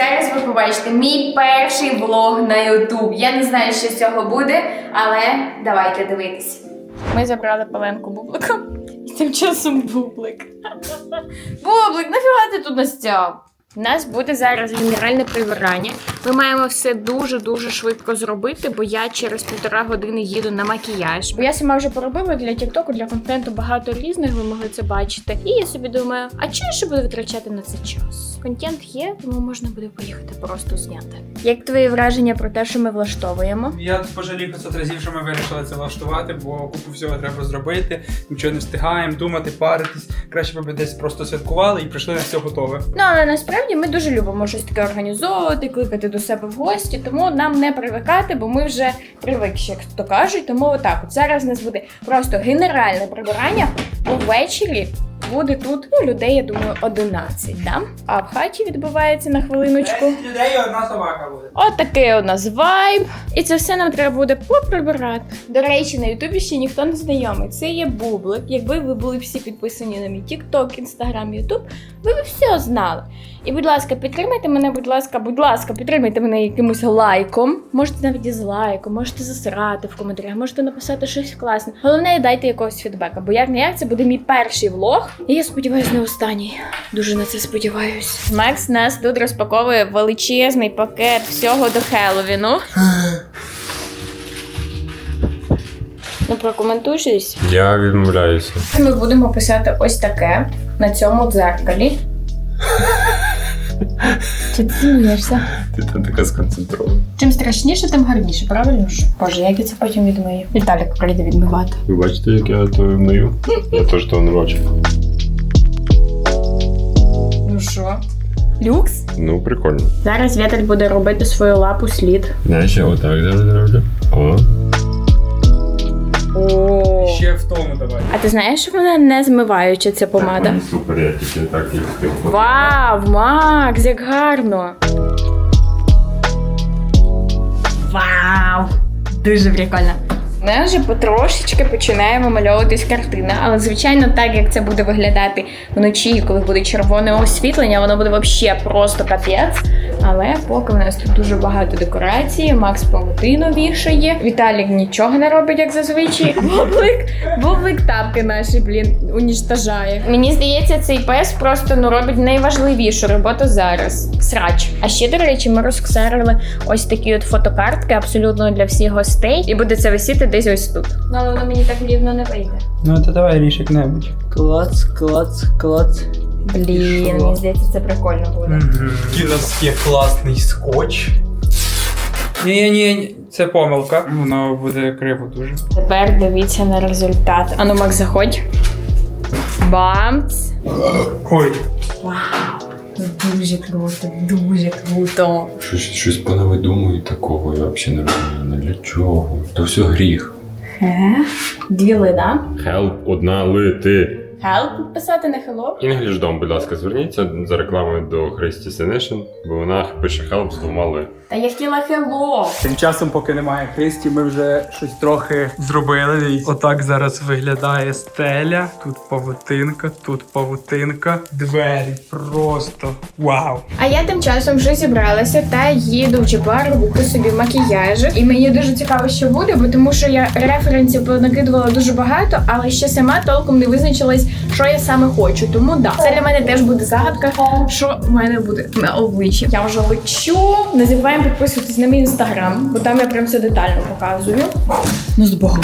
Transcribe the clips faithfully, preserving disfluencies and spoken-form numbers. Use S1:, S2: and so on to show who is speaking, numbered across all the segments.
S1: зараз ви побачите мій перший влог на ютуб. Я не знаю, що з цього буде, але давайте дивитись. Ми забрали Паленку Бублика. І тим часом Бублик. Бублик, нафіга ти тут настяв? У нас буде зараз генеральне прибирання. Ми маємо все дуже-дуже швидко зробити, бо я через півтора години їду на макіяж. Бо я сама вже поробила для тіктоку, для контенту багато різних, ви могли це бачити. І я собі думаю, а чого я ще буду витрачати на це час? Контент є, тому можна буде поїхати просто зняти. Як твої враження про те, що ми влаштовуємо?
S2: Я пожалів п'ятсот разів, що ми вирішили це влаштувати, бо купу всього треба зробити, нічого не встигаємо, думати, паритись. Краще б десь просто святкували і прийшли на все готове.
S1: Ну, але насправді ми дуже любимо щось таке організовувати, кликати до себе в гості, тому нам не привикати, бо ми вже привикші, як то кажуть. Тому отак, от зараз у нас буде просто генеральне прибирання. Увечері буде тут, ну, людей, я думаю, одинадцять, да? А в хаті відбувається на хвилиночку.
S2: десять людей і одна собака буде.
S1: От такий у нас вайб. І це все нам треба буде поприбирати. До речі, на ютубі ще ніхто не знайомий. Це є Бублик. Якби ви були всі підписані на мій тікток, інстаграм, ютуб, ви б все знали. І, будь ласка, підтримайте мене, будь ласка, будь ласка, підтримайте мене якимось лайком. Можете навіть дизлайком, можете засирати в коментарях, можете написати щось класне. Головне, дайте якогось фідбека, бо як не як, це буде мій перший влог. І я сподіваюся, не останній. Дуже на це сподіваюсь. Макс нас тут розпаковує величезний пакет всього до Хеллоуіну. Ну, прокоментуй щось.
S3: Я відмовляюся.
S1: Ми будемо писати ось таке на цьому дзеркалі. Чи ти смієшся?
S3: Ти там така сконцентрована.
S1: Чим страшніше, тим гарніше, правильно ж? Боже, як я це потім відмию? Віталік прийде відмивати.
S3: Ви бачите, як я то мию? Я теж того не бачу.
S1: Ну що? Люкс?
S3: Ну, прикольно.
S1: Зараз Віталь буде робити свою лапу слід.
S3: Я ще отак зараз роблю. О.
S1: О.
S2: Ще в тому давай.
S1: А ти знаєш, що вона не змиваюча, ця помада?
S3: Так, супер, я тільки так і встиг.
S1: Вау, Макс, як гарно! Вау! Дуже прикольно. Ми вже потрошечки починає вимальовуватись картина, але, звичайно, так, як це буде виглядати вночі, коли буде червоне освітлення, воно буде взагалі просто капець. Але поки в нас тут дуже багато декорацій, Макс павутину вішає, Віталік нічого не робить, як зазвичай. Бублик, Бублик тапки наші, блін, уніштажає. Мені здається, цей пес просто, ну, робить найважливішу роботу зараз. Срач. А ще, до речі, ми розксерили ось такі от фотокартки абсолютно для всіх гостей. І буде це висіти десь ось тут. Ну, але воно мені так рівно не вийде.
S2: Ну, то давай ріж як-небудь. Клац, клац, клац.
S1: Блін, мені здається, це прикольно буде.
S2: Який у нас є класний скотч. Ні-ні-ні, це помилка. Воно буде криво дуже.
S1: Тепер дивіться на результат. Ану, Макс, заходь. Бамц.
S2: Ой.
S1: Вау. Дуже круто, дуже круто.
S3: Щось, щось понавидумую такого, я взагалі не розумію. Для чого? То все гріх.
S1: Е? Дві ли, да?
S3: Help, одна ли, ти.
S1: Help підписати на hello?
S3: English Dom, будь ласка, зверніться за рекламою до Христі Синишин, бо вона пише help з двома ли.
S1: Та я хотіла hello.
S2: Тим часом, поки немає Христі, ми вже щось трохи зробили. Дивіться. Отак зараз виглядає стеля. Тут павутинка, тут павутинка. Двері просто вау.
S1: А я тим часом вже зібралася та їду в Джебар робити собі макіяж. І мені дуже цікаво, що буде, бо тому що я референсів понакидувала дуже багато, але ще сама толком не визначилась, що я саме хочу. Тому да, це для мене теж буде загадка, що в мене буде на обличчі. Я вже лечу. Не забуваємо підписуватись на мій інстаграм, бо там я прям все детально показую. Ну, з Богом.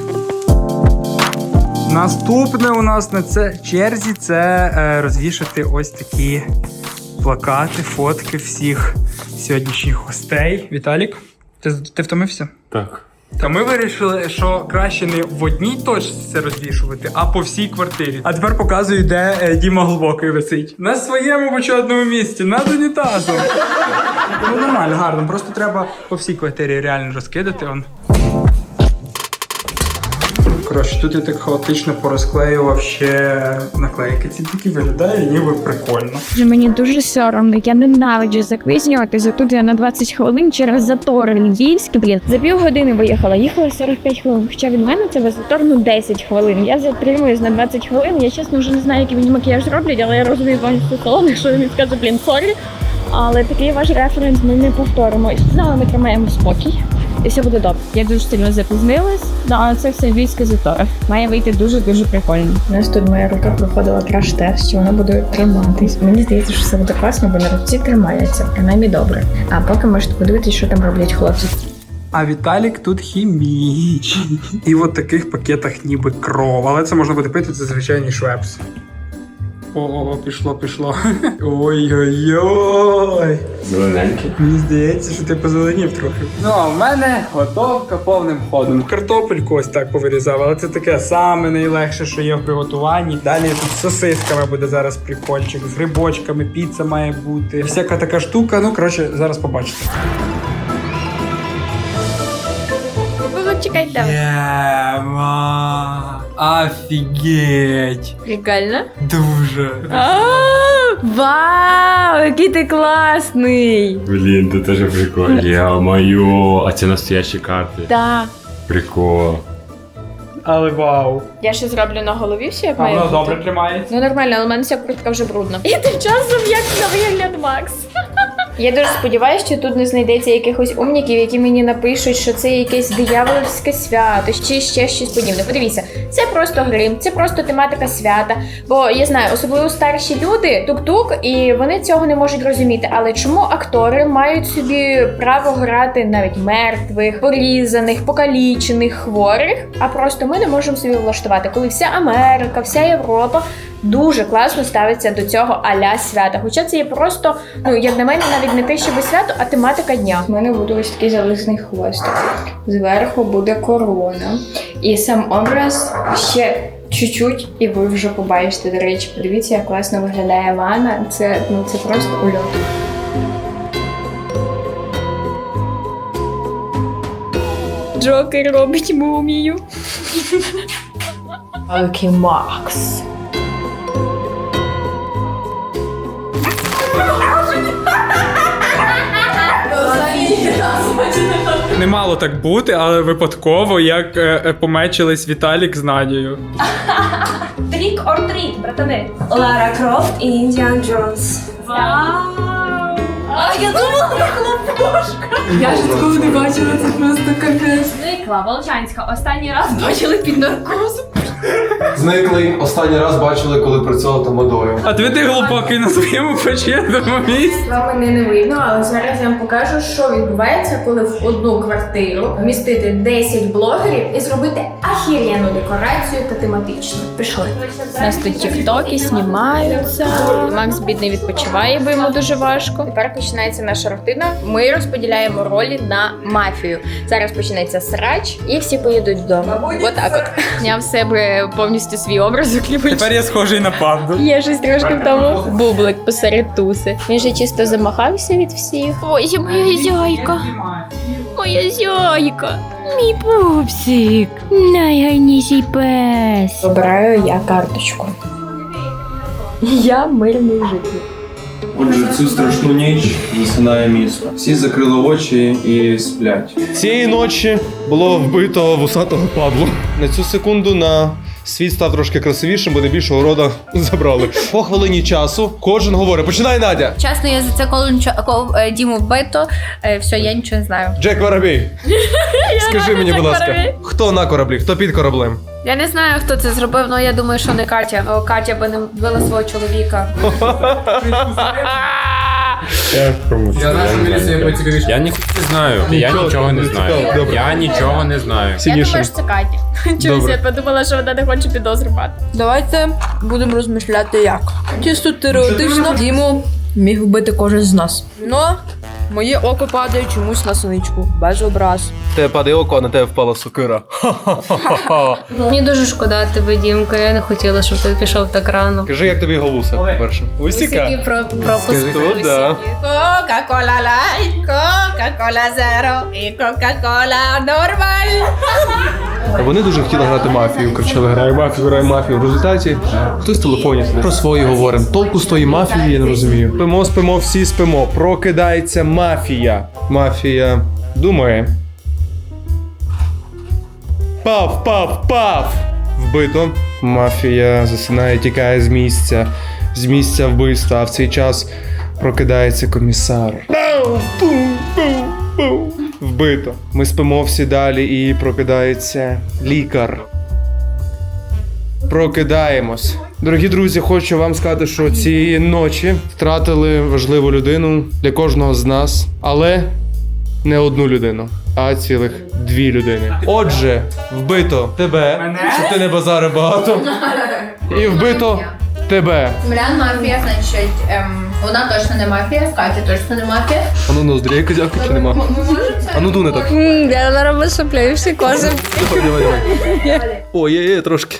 S2: Наступне у нас на це черзі це е, розвішати ось такі плакати, фотки всіх сьогоднішніх гостей. Віталік, ти, ти втомився?
S3: Так.
S2: Та ми вирішили, що краще не в одній точці це розвішувати, а по всій квартирі. А тепер показую, де е, Діма Глибокий висить. На своєму почетному місці, над унітазом. Ну нормально, гарно. Просто треба по всій квартирі реально розкидати. Он. Коротше, тут я так хаотично порозклеював ще наклейки. Ці такі виглядає, ніби прикольно.
S1: Мені дуже соромно, я ненавиджу запізнюватися. Тут я на двадцять хвилин через затори львівські, блін. За півгодини виїхала, їхала сорок п'ять хвилин. Хоча від мене це без затор, ну, десять хвилин. Я затримуюсь на двадцять хвилин. Я чесно вже не знаю, який мені макіяж роблять, але я розумію повністю салон, якщо він скаже, блін, сорі. але такий ваш референс ми не повторимо. Ну, але ми тримаємо спокій. І все буде добре. Я дуже сильно запізнилась, але це все львівське затори. Має вийти дуже-дуже прикольно. У нас тут моя рука проходила краш-тест, що вона буде триматись. Мені здається, що все буде класно, бо на руці тримається, принаймні добре. А поки можете подивитися, що там роблять хлопці.
S2: А Віталік тут хімічний. І в от таких пакетах ніби кров. Але це можна буде пити, це звичайний швепс. О, пішло, пішло. Ой-ой-ой.
S3: Зелененький.
S2: Мені здається, що ти позеленів трохи. Ну, а в мене готовка повним ходом. Картопельку ось так повирізав, але це таке саме найлегше, що є в приготуванні. Далі тут з сосисками буде зараз прикольчик, з грибочками, піца має бути. Всяка така штука, ну, коротше, зараз побачите.
S1: Чекайте.
S2: Єма! Офігеть!
S1: Прикольно?
S2: Дуже.
S1: Вау, який ти класний!
S3: Блін, це теж прикольно. Йо-моє, а це настоящі карти.
S1: Так.
S3: Прикол.
S2: Але вау.
S1: Я ще зроблю на голові все, як
S2: А
S1: має
S2: воно
S1: бути.
S2: добре тримається.
S1: Ну нормально, але в мене вся куртка вже брудна. І тим часом як на вигляд Макс. Я дуже сподіваюся, що тут не знайдеться якихось умніків, які мені напишуть, що це якесь диявольське свято, чи ще щось подібне. Подивіться, це просто грим, це просто тематика свята. Бо я знаю, особливо старші люди, тук-тук, і вони цього не можуть розуміти. Але чому актори мають собі право грати навіть мертвих, порізаних, покалічених, хворих, а просто ми не можемо собі влаштувати, коли вся Америка, вся Європа дуже класно ставиться до цього а-ля свята. Хоча це є просто, ну, як на мене, навіть не те, щоб свято, а тематика дня. У мене буде ось такий зализний хвостик. Зверху буде корона. І сам образ ще чуть-чуть, і ви вже побачите. До речі, подивіться, як класно виглядає ванна. Це, ну, це просто ульот. Джокер робить мумію. Окей, Макс.
S2: Не мало так бути, але випадково, як е, е, помечились Віталік з Надією.
S1: Трік ор тріт, братани.
S4: Лара Крофт і Індіан Джонс.
S1: Вау! А я думала, це хлопушка.
S4: Я ж такого не бачила, це просто капець.
S1: Зникла Волчанська. Останній раз бачили під наркозом.
S5: Зникли. Останній раз бачили, коли працював там водою.
S2: А ти ти глупакий на своєму почетному місці.
S1: Вам мене не видно, але зараз я вам покажу, що відбувається, коли в одну квартиру вмістити десять блогерів і зробити ахір'яну декорацію та тематичну. Пішли. У нас тут тіктоки знімаються. Макс бідний відпочиває, бо йому дуже важко. Тепер починається наша рутина. Ми розподіляємо ролі на мафію. Зараз починається срач і всі поїдуть вдома. Отак от. Я в себе повністю свій образ укліпив.
S2: Тепер я схожий на панду.
S1: Є щось трошки в тому. Бублик посеред туси. Він же чисто замахався від всіх. Ой, моя зяйка. Моя зяйка. Мій пупсик. Найгарніший пес. Обираю я карточку. Я мирний житель.
S6: Отже, цю страшну ніч засинає місто. Всі закрили очі і сплять. Цієї ночі було вбито вусатого Пабло. На цю секунду на світ став трошки красивішим, бо найбільшого рода забрали. По хвилині часу кожен говорить: починай, Надя!
S7: Чесно, я за це коли нічого е, Діму вбито, е, все, я нічого не знаю.
S6: Джек Воробей! Скажи мені, будь ласка, хто на кораблі, хто під кораблем?
S7: Я не знаю, хто це зробив, але я думаю, що не Катя. О, Катя би не вбила свого чоловіка.
S3: Я Я ніхто не знаю. Я
S6: Нічого,
S3: нічого не
S6: не
S3: знаю.
S6: цікаво. Добре.
S3: Я нічого не знаю.
S1: Я
S6: Сильніше.
S1: думаю, що це Катя. Чомусь
S6: Добре.
S1: я подумала, що вона не хоче підозру мати.
S4: Давайте будемо розмишляти як. Чисто теоретично Діму міг вбити кожен з нас. Ну, моє око падає чомусь на синичку. Без образ.
S6: Тебе падає око, а на тебе впала сокира.
S7: Мені дуже шкода тебе, Дімка, я не хотіла, щоб ти пішов так рано.
S6: Кажи, як тобі голуса, по-перше.
S7: Усіки про пропуск.
S6: Тут, да.
S7: Кока-кола лайт, Кока-кола зеро і Кока-кола нормаль.
S6: Вони дуже хотіли грати мафію, кричали: грай мафію, грай мафію. В результаті хтось в телефоні про свої говоримо. Толку з тої мафії я не розумію. Спимо, спимо, всі спимо. Прокидається мафія. Мафія думає. Пав, пав, пав! Вбито. Мафія засинає, тікає з місця. З місця вбивства. А в цей час Прокидається комісар. Вбито. Ми спимо всі далі і прокидається лікар. Прокидаємось. Дорогі друзі, хочу вам сказати, що цієї ночі втратили важливу людину для кожного з нас, але не одну людину, а цілих дві людини. Отже, вбито тебе, щоб ти не базарив багато. І вбито тебе.
S8: Млян мафія, значить, ем, вона точно не мафія, Катя точно не мафія.
S6: А ну ноздрі, як козявка чи нема? А ну дуне так.
S7: Я зараз висипляю всі кози.
S6: Давай, давай, давай. О, є, є, трошки.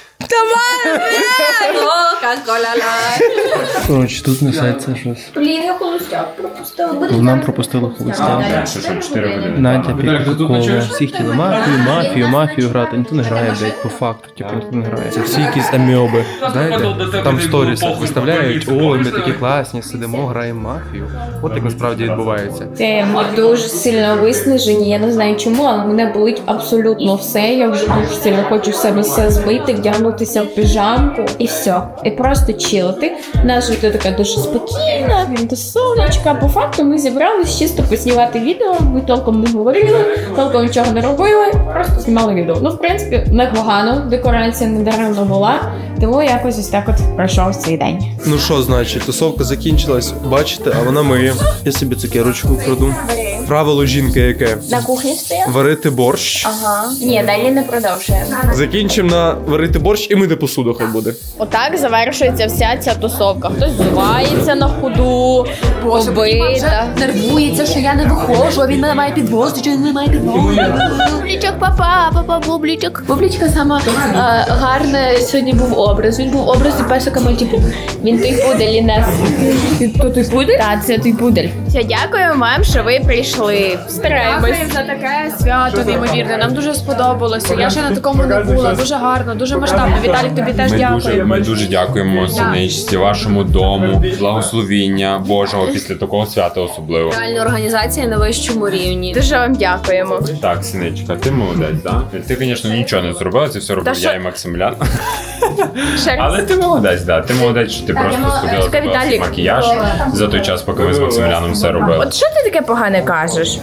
S6: Коротше, тут несеться щось.
S8: Блін, я холостяк пропустила.
S6: Нам пропустили холостяк.
S3: Що, що, чотири години.
S6: Надя Підкова. Всі хотіли мафію, мафію, мафію грати. Ніхто не грає, блядь, по факту. Типу, ніхто не грає. Це всі якісь аміоби. Знаєте, там сторіс виставляють, ой, ми такі класні, сидимо, граємо мафію. От як насправді відбувається.
S1: Це ми дуже сильно виснажені. Я не знаю чому, але мене болить абсолютно все. Я вже дуже сильно хочу в себе все збити, вдягнутися в піжамку і все. І просто чилити. Наша життя така дуже спокійна, до сонечка. По факту ми зібрались чисто поснімати відео. Ми толком не говорили, толком нічого не робили, просто знімали відео. Ну, в принципі, непогано. Декорація не даремно була. Тому якось ось так от пройшов цей день.
S6: Ну що, значить, тусовка закінчилась, бачите, а вона миє. Я собі цукерочку вкраду. Правило жінки яке?
S1: На кухні стояв?
S6: Варити борщ.
S1: Ага. Ні, далі не продовжуємо.
S6: Закінчимо на варити борщ і мити посуду хай буде.
S1: Отак завершується вся ця тусовка. Хтось зувається на ходу, побита.
S8: Нервується, що я не виходжу, а він мене має підвозити, чи він не має підвозити.
S1: Бублічок, папа, папа, бублічок. Бублічка сама а, гарна сьогодні був образ. Він був образ песика Мальтіпу. Він той пудель, Інес. То той пудель? Так, це той пудель. Все, дякую вам, що ви прийшли. Стараємось.
S9: Дякую за таке свято неймовірне. Нам дуже сподобалося. Я ще на такому не була. Дуже гарно, дуже масштабно. Віталік, тобі теж
S3: Ми дуже,
S9: дякую.
S3: ми дуже дякуємо Синичці, вашому дому, благословіння Божого після такого свята особливо.
S7: Реальна організація на вищому рівні.
S1: Дуже вам дякуємо.
S3: Так, Синичка, ти молодець, так? Ти, звісно, нічого не зробила, це все робив
S1: що?
S3: я і Максимлян.
S1: Ще раз.
S3: Але ти молодець, да. Ти молодець, що ти просто сходила
S1: Чекай,
S3: зробила свій
S1: Віталік.
S3: макіяж за той час, поки ми з Максимляном все робили.
S1: От що ти таке погане кажеш?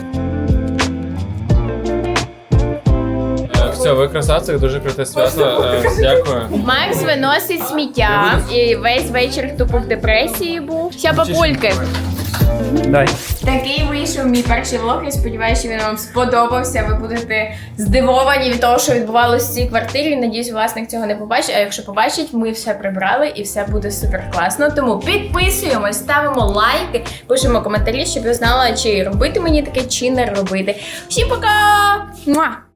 S10: Все, ви красавці, дуже круте свято. Е, Дякую.
S1: Макс виносить сміття і весь вечір тупо в депресії був. Все, папульки.
S6: Дай.
S1: Такий вийшов мій перший влог. Я сподіваюся, що він вам сподобався. Ви будете здивовані від того, що відбувалося в цій квартирі. Надіюсь, власник цього не побачить. А якщо побачить, ми все прибрали і все буде супер класно. Тому підписуємось, ставимо лайки, пишемо коментарі, щоб я знала, чи робити мені таке, чи не робити. Всім пока! Муа!